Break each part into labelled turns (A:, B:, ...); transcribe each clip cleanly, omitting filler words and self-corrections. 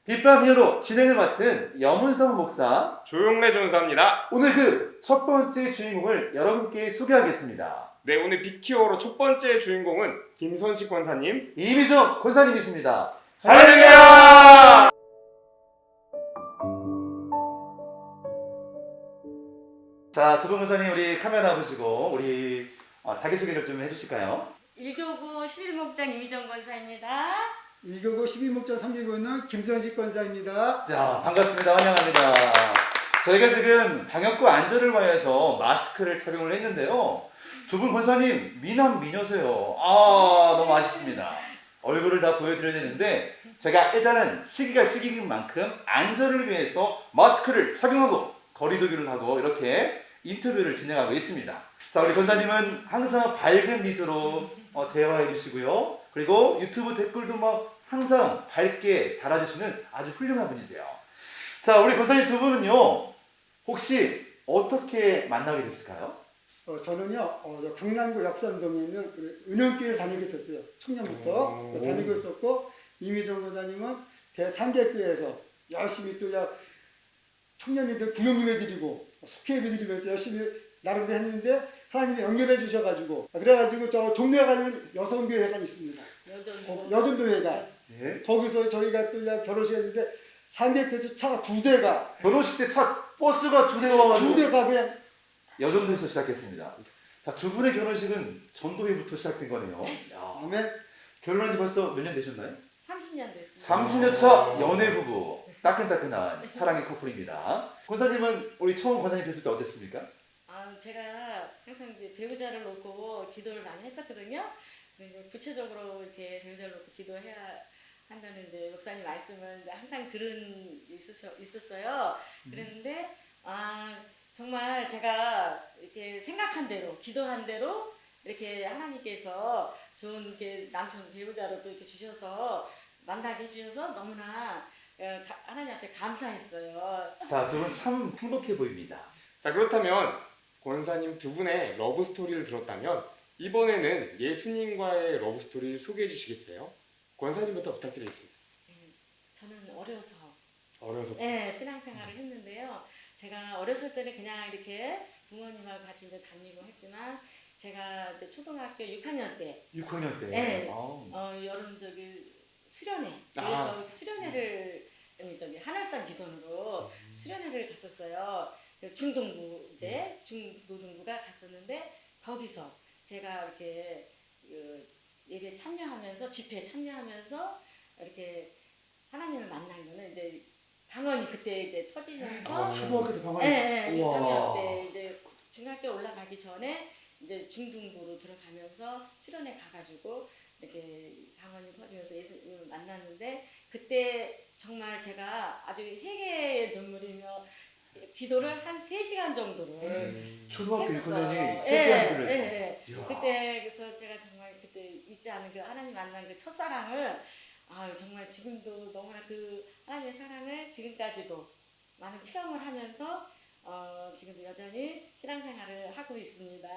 A: 빗밤이어로 진행을 맡은 염은성 목사,
B: 조용래 전사입니다.
A: 오늘 그 첫 번째 주인공을 여러분께 소개하겠습니다.
B: 네, 오늘 빅히어로 첫 번째 주인공은 김선식 권사님.
A: 이미정 권사님이십니다.
B: 할렐루야!
A: 자, 두 분 권사님 우리 카메라 보시고 우리 자기소개를 좀 해주실까요?
C: 1교구 11목장 이미정 권사입니다.
D: 1교구 12목장 섬기고 있는 김선식 권사입니다.
A: 자, 반갑습니다. 환영합니다. 저희가 지금 방역과 안전을 위해서 마스크를 착용을 했는데요. 두 분 권사님 미남 미녀세요. 너무 아쉽습니다. 얼굴을 다 보여드려야 되는데 제가 일단은 시기가 시기인 만큼 안전을 위해서 마스크를 착용하고 거리두기를 하고 이렇게 인터뷰를 진행하고 있습니다. 자, 우리 권사님은 항상 밝은 미소로 대화해 주시고요. 그리고 유튜브 댓글도 막 항상 밝게 달아주시는 아주 훌륭한 분이세요. 자, 우리 권사님 두 분은요, 혹시 어떻게 만나게 됐을까요?
D: 저는요, 저 강남구 역삼동에 있는 은영교회를 다니고 있었어요. 청년부터 다니고 있었고, 이미정 권사님은 대상계교회에서 열심히 또 청년이들 구역예배드리고 속회예배드리면서 열심히 나름대로 했는데 하나님이 연결해 주셔가지고 그래가지고 저 종로에 가는 여성교회가 있습니다. 여전도회가.
A: 예.
D: 거기서 저희가 또 결혼식 했는데 상계교회에서 차가 2대가
A: 결혼식 때 버스가 2대가 와가지고
D: 2대가 그냥
A: 여전도에서 시작했습니다. 자, 두 분의 결혼식은 전도회부터 시작된 거네요. 야,
D: 아멘.
A: 결혼한 지 벌써 몇 년 되셨나요?
C: 30년 됐습니다.
A: 30년 차 연애 부부, 따끈따끈한 사랑의 커플입니다. 권사님은 우리 처음 권사님 뵀을 때 어땠습니까?
C: 제가 항상 이제 배우자를 놓고 기도를 많이 했었거든요. 근데 구체적으로 이렇게 배우자를 놓고 기도해야 한다는 이제 목사님 말씀을 항상 있었어요. 그랬는데 정말 제가 이렇게 생각한 대로, 기도한 대로 이렇게 하나님께서 좋은 이렇게 남편 배우자로 또 이렇게 주셔서 만나게 해주셔서 너무나 하나님한테 감사했어요.
A: 자, 두 분 참 행복해 보입니다.
B: 자, 그렇다면 권사님 두 분의 러브 스토리를 들었다면 이번에는 예수님과의 러브 스토리를 소개해 주시겠어요? 권사님부터 부탁드리겠습니다.
C: 저는 어려서
B: 네.
C: 신앙생활을 했는데요. 제가 어렸을 때는 그냥 이렇게 부모님하고 같이 이제 다니고 했지만 제가 이제 초등학교 6학년 때
A: 6학년 때.
C: 네. 여름 수련회. 그래서 수련회를 한월산 기도원으로 수련회를 갔었어요. 중등부 중고등부가 갔었는데 거기서 제가 이렇게 예배 참여하면서 집회에 참여하면서 이렇게 하나님을 만난 거는 이제 방언이 그때 이제 터지면서
A: 초등학교 때 방언이.
C: 네,
A: 우와.
C: 6학년 때 이제 중학교 올라가기 전에 이제 중등부로 들어가면서 수련회 가가지고 이렇게 방언이 터지면서 예수님을 만났는데 그때 정말 제가 아주 회개의 눈물이며 기도를 한 3시간 정도를
A: 초등학교
C: 했었어요.
A: 6학년이 3시간 기도를 했어요.
C: 네. 그때 그래서 제가 정말 그때 잊지 않은 그 하나님 만난 그 첫사랑을 정말 지금도 너무나 그 하나님의 사랑을 지금까지도 많은 체험을 하면서 지금도 여전히 신앙생활을 하고 있습니다.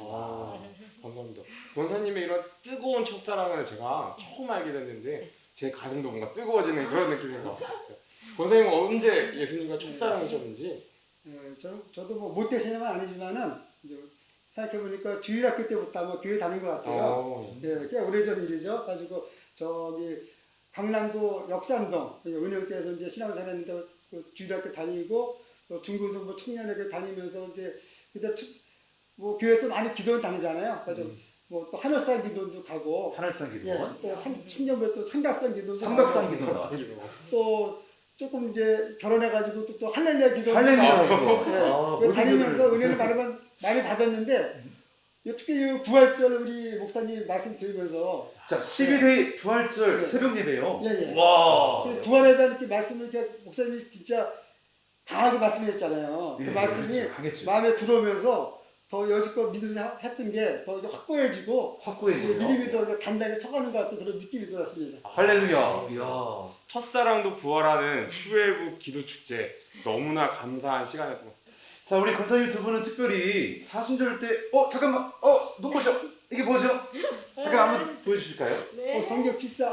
B: 감사합니다. 권사님의 이런 뜨거운 첫사랑을 제가 처음 알게 됐는데 제 가슴도 뭔가 뜨거워지는 그런 느낌인 것 같아요. 권사님은 언제 예수님과 첫사랑이셨는지?
D: 저도 뭐 못되시냐면 아니지만은 이제 생각해보니까 주일학교 때부터 아마 교회 다닌 것 같아요. 꽤 오래전 일이죠. 가지고 저기 강남구 역삼동 은영교회에서 이제 신앙생활 했는데 그 주일학교 다니고 또 중고등부 청년회교 다니면서 이제 그때 뭐 교회에서 많이 기도원 다니잖아요. 그래서 뭐 또 한월산 기도원도 가고
A: 한월산 기도원.
D: 또 청년부에 또 삼각산 기도원도
A: 삼각산
D: 가고,
A: 기도원 나왔습니다.
D: 또 조금 이제 결혼해가지고 또 할렐루야 기도
A: 할렐루야 기도.
D: 다니면서 은혜를 많이 받았는데 특히 이 부활절 우리 목사님 말씀 드리면서
A: 자, 11회 부활절 새벽 예배요.
D: 예.
A: 와.
D: 부활에 대한 이렇게 말씀을 이렇게 목사님이 진짜 강하게 말씀하셨잖아요. 그
A: 예,
D: 말씀이
A: 그렇죠. 강했죠.
D: 마음에 들어오면서 더 여지껏 믿으면서 했던 게 더 확고해지고 믿음이 더 단단히 쳐가는 것 같은 그런 느낌이 들었습니다.
A: 할렐루야. 이야.
B: 첫사랑도 부활하는 수회부 기도 축제 너무나 감사한 시간이었던 것 같습니다.
A: 자, 우리 권사님 두 분은 특별히 사순절 때 잠깐만. 눈부셔. 이게 뭐죠? 잠깐 한번 보여주실까요?
C: 네.
D: 성경필사.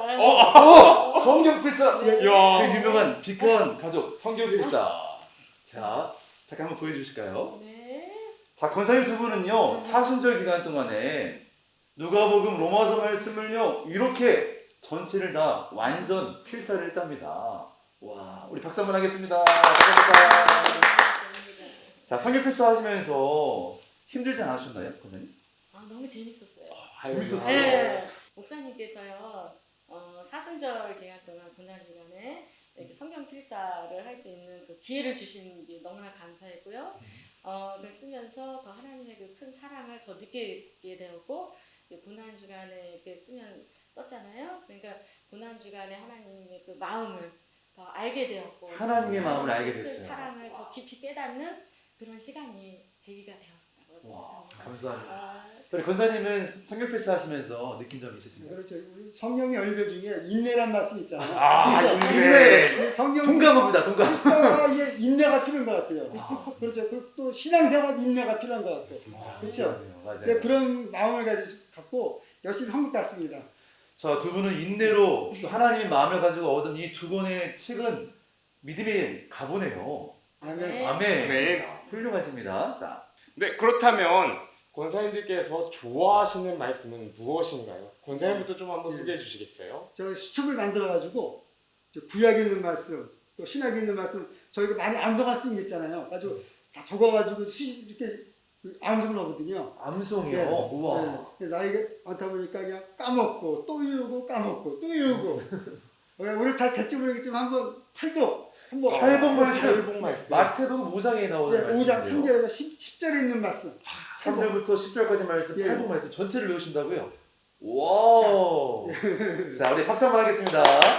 A: 성경필사.
D: 예.
B: 야.
A: 그 유명한 비건 가족 성경필사. 자, 잠깐 한번 보여주실까요?
C: 네.
A: 자, 권사님 두 분은요 사순절 기간 동안에 누가복음 로마서 말씀을요 이렇게 전체를 다 완전 필사를 했답니다. 와, 우리 박수 한번 하겠습니다. 감사합니다. 자, 성경필사 하시면서 힘들지 않으셨나요, 권사님?
C: 아, 너무 재밌었어요.
A: 재밌었어요.
C: 네. 목사님께서요 사순절 기간 동안 고난주간에 이렇게 성경 필사를 할 수 있는 그 기회를 주신 게 너무나 감사했고요. 그걸 쓰면서 더 하나님의 그 큰 사랑을 더 느끼게 되었고 고난주간에 이렇게 썼잖아요. 그러니까 고난주간에 하나님의 그 마음을 더 알게 되었고
A: 하나님의 마음을 알게
C: 그
A: 됐어요.
C: 사랑을 더 깊이 깨닫는 그런 시간이 되기가 되었다고
A: 와,
C: 생각합니다.
A: 감사합니다.
C: 아,
A: 우리 권사님은 성경필사 하시면서 느낀 점 있으신가요?
D: 그렇죠. 우리 성령의 열매 중에 인내란 말씀 있잖아요.
A: 아,
D: 그렇죠?
A: 인내.
D: 성경
A: 동감합니다, 동감.
D: 필사에 인내가 필요한 것 같아요.
A: 아.
D: 그렇죠. 또 신앙생활 인내가 필요한 것 같아요. 그렇죠.
A: 맞아요.
D: 네, 그런 마음을 갖고 열심히 한 것 같습니다.
A: 자, 두 분은 인내로 또 하나님의 마음을 가지고 얻은 이 두 권의 책은 믿음의 가보네요.
D: 아멘.
C: 네.
A: 아멘.
B: 아멘.
A: 훌륭하십니다. 자,
B: 네, 그렇다면 권사님들께서 좋아하시는 말씀은 무엇인가요? 권사님부터 좀 한번 소개해 주시겠어요?
D: 저 수첩을 만들어가지고 구약에 있는 말씀, 또 신약에 있는 말씀 저희가 많이 암송할 수 있잖아요. 가지고 다 적어가지고 이렇게 암송을 하거든요.
A: 암송이요.
D: 네.
A: 우와.
D: 네. 나이가 많다 보니까 그냥 까먹고 또 이러고 까먹고 또 이러고 오늘 잘 될지 모르겠지만 한번 팔복 한번
A: 팔복 말씀.
B: 팔복 말씀.
A: 마태복음 5장에 나오는
D: 네,
A: 말씀이에요.
D: 5장 3절에서 10절에 있는 말씀.
A: 3절부터 10절까지 말씀,
D: 예.
A: 팔복 말씀 전체를 외우신다고요? 와우. 자, 우리 박수 한번 하겠습니다. 자,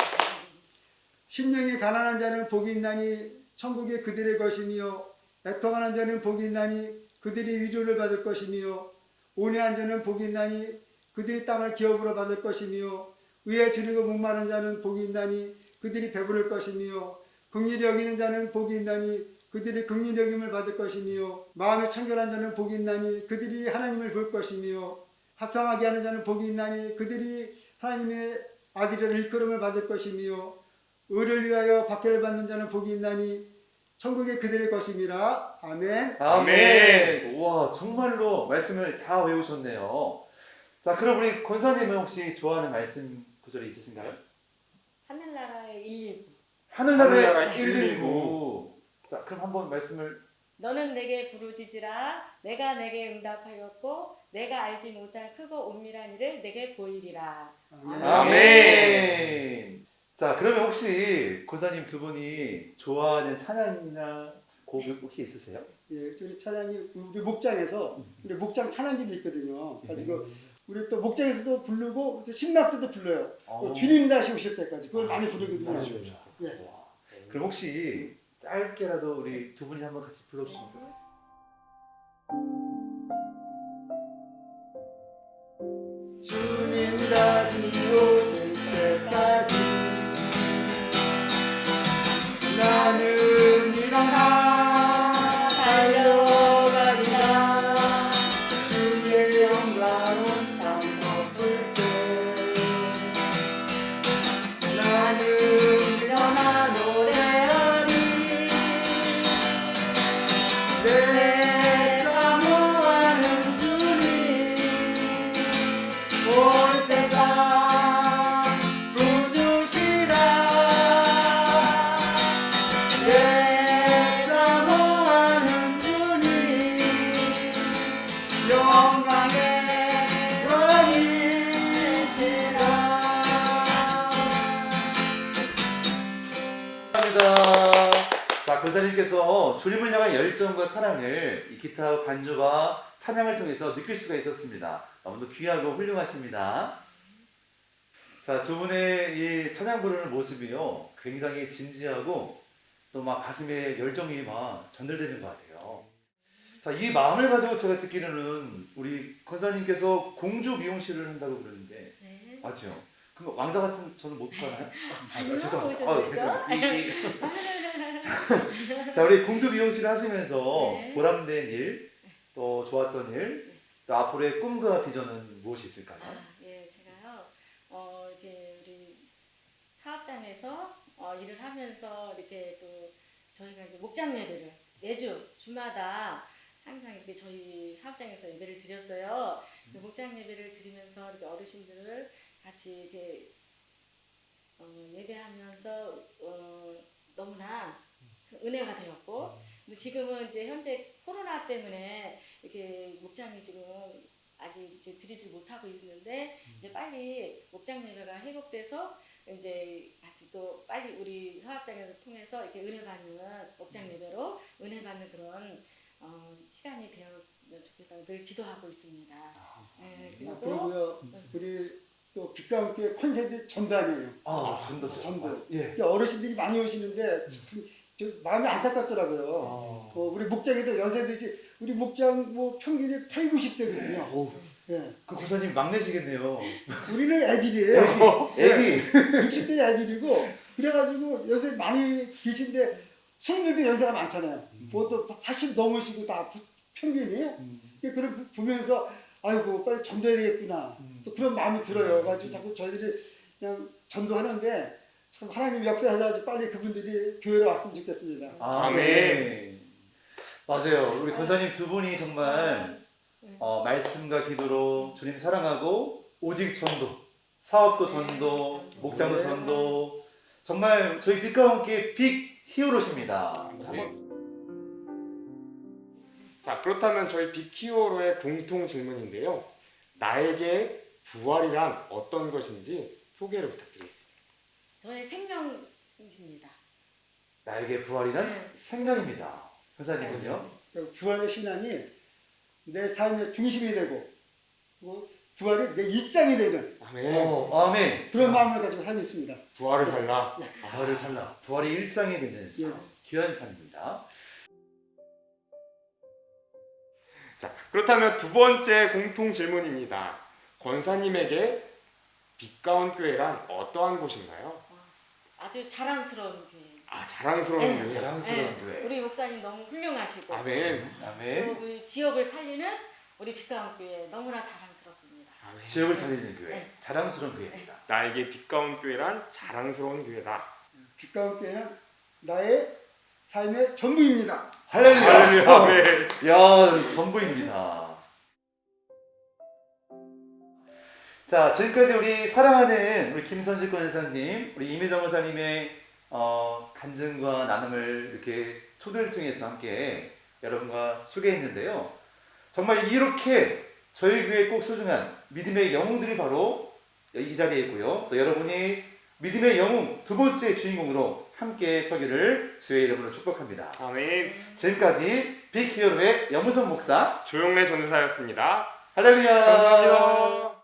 D: 심령이 가난한 자는 복이 있나니 천국이 그들의 것이며 애통하는 자는 복이 있나니 그들이 위로를 받을 것이며 온유한 자는 복이 있나니 그들이 땅을 기업으로 받을 것이며 의에 줄이고 목마른 자는 복이 있나니 그들이 배부를 것이며 긍휼히 여기는 자는 복이 있나니 그들이 긍휼히 여김을 받을 것이며 마음이 청결한 자는 복이 있나니 그들이 하나님을 볼 것이며 화평하게 하는 자는 복이 있나니 그들이 하나님의 아들을 일컬음을 받을 것이며 의를 위하여 박해를 받는 자는 복이 있나니 천국이 그들의 것임이라. 아멘.
A: 아멘. 우와, 정말로 말씀을 다 외우셨네요. 자, 그럼 우리 권사님은 혹시 좋아하는 말씀 구절이 있으신가요?
C: 하늘나라의 119.
A: 하늘나라의
B: 하늘나라의
A: 119. 자, 그럼 한번 말씀을.
C: 너는 내게 부르짖으라. 내가 내게 응답하였고 내가 알지 못한 크고 은밀한 일을 내게 보이리라.
D: 아멘.
A: 아멘. 자, 그러면 혹시 권사님 두 분이 좋아하는 찬양이나 곡 혹시 있으세요?
D: 예, 우리 찬양이 우리 목장에서 우리 목장 찬양집이 있거든요. 가지고 우리 또 목장에서도 부르고 또 신학교도 불러요. 또 주님 다시 오실 때까지 그걸 많이 부르거든요. 예.
A: 와. 그럼 혹시 짧게라도 우리 두 분이 한번 같이 불러주실까요?
D: 주님 다시 오실 때까지 나는 일어나 달려가리라. 주의 영광은 땅 덮을 때 나는 일어나 노래하리. 내 사모하는 주님 온 세상 부주시라. 내 사모하는 주님 영광의 왕이시라.
A: 감사합니다. 자, 권사님께서 주님을 향한 열정과 사랑을 이 기타 반주와 찬양을 통해서 느낄 수가 있었습니다. 너무도 귀하고 훌륭하십니다. 자, 두 분의 이 찬양 부르는 모습이요, 굉장히 진지하고 또 막 가슴에 열정이 막 전달되는 것 같아요. 자, 이 마음을 가지고 제가 듣기로는 우리 권사님께서 공주 미용실을 한다고 그러는데
C: 네.
A: 맞죠? 그럼 왕자 같은 저는 못 가나요?
C: 아니요,
A: 죄송합니다.
C: 오셔도
A: 죄송합니다. 자, 우리 공주 미용실을 하시면서
C: 네.
A: 보람된 일, 또 좋았던 일, 또 앞으로의 꿈과 비전은 무엇이 있을까요?
C: 아, 예, 제가요. 사업장에서 일을 하면서 이렇게 또 저희가 이제 목장 예배를 매주 주마다 항상 이렇게 저희 사업장에서 예배를 드렸어요. 그 목장 예배를 드리면서 이렇게 어르신들을 같이 이렇게 예배하면서 너무나 은혜가 되었고, 근데 지금은 이제 현재 코로나 때문에 이렇게 목장이 지금 아직 이제 드리지 못하고 있는데 이제 빨리 목장 예배가 회복돼서 이제 같이 또 빨리 우리 사업장에서 통해서 이렇게 은혜 받는 목장 예배로 은혜 받는 그런 시간이 되었으면 좋겠다고 늘 기도하고 있습니다. 네, 그리고
D: 그리고요 우리 또 빛과 함께 컨셉이 전단이에요.
A: 전도.
D: 전도.
A: 예.
D: 그러니까 어르신들이 많이 오시는데 참 저 마음이 안타깝더라고요. 우리 목장에도 연세대지 우리 목장 뭐 평균이 8, 90대거든요.
A: 오,
D: 예.
A: 그 권사님 막내시겠네요.
D: 우리는 애들이에요.
A: 애기.
D: 60대 애들이고 그래가지고 연세 많이 계신데 손님들도 연세가 많잖아요. 보통 80 넘으시고 다 평균이. 그걸 보면서 아이고 빨리 전도해야 되겠구나. 또 그런 마음이 들어요. 가지고 자꾸 저희들이 그냥 전도하는데 참 하나님 역사하셔가지고 빨리 그분들이 교회로 왔으면 좋겠습니다.
A: 아멘. 맞아요. 우리 권사님 두 분이 정말 말씀과 기도로 주님 사랑하고 오직 전도, 사업도 전도, 목장도 전도, 정말 저희 빛과 함께 빅 히어로십니다.
B: 자, 그렇다면 저희 빅히어로의 공통 질문인데요. 나에게 부활이란 어떤 것인지 소개를 부탁드리겠습니다.
C: 저의 생명입니다.
A: 나에게 부활이란
C: 네.
A: 생명입니다. 권사님은요?
D: 부활의 신앙이 내 삶의 중심이 되고 그리고 부활이 내 일상이 되는
B: 아멘.
A: 아멘.
D: 그런 마음을 가지고 살고 있습니다.
B: 부활을 살라.
A: 부활을 살라. 부활이 일상이 되는 삶.
D: 예.
A: 귀한 삶입니다.
B: 자, 그렇다면 두 번째 공통 질문입니다. 권사님에게 빛가운 교회란 어떠한 곳인가요?
C: 아주 자랑스러운 교회.
B: 자랑스러운
C: 네,
B: 교회.
A: 자랑스러운 교회.
C: 우리 목사님 너무 훌륭하시고
B: 아멘.
A: 아멘.
C: 그리고 우리 지역을 살리는 우리 빛가운 교회 너무나 자랑스럽습니다.
B: 아멘.
A: 지역을 살리는 교회.
C: 네.
A: 자랑스러운 교회입니다.
B: 나에게 빛가운 교회란 자랑스러운 교회다.
D: 빛가운 교회는 나의 삶의 전부입니다.
A: 할렐루야.
B: 할렐루야. 아멘.
A: 야, 전부입니다. 자, 지금까지 우리 사랑하는 우리 김선식 권사님, 우리 이미정 권사님의 간증과 나눔을 이렇게 초대를 통해서 함께 여러분과 소개했는데요. 정말 이렇게 저희 교회에 꼭 소중한 믿음의 영웅들이 바로 이 자리에 있고요. 또 여러분이 믿음의 영웅 두 번째 주인공으로 함께 서기를 주의 이름으로 축복합니다.
B: 아멘.
A: 지금까지 빅히어로의 염우선 목사
B: 조용래 전도사였습니다.
A: 할렐루야.
B: 감사합니다.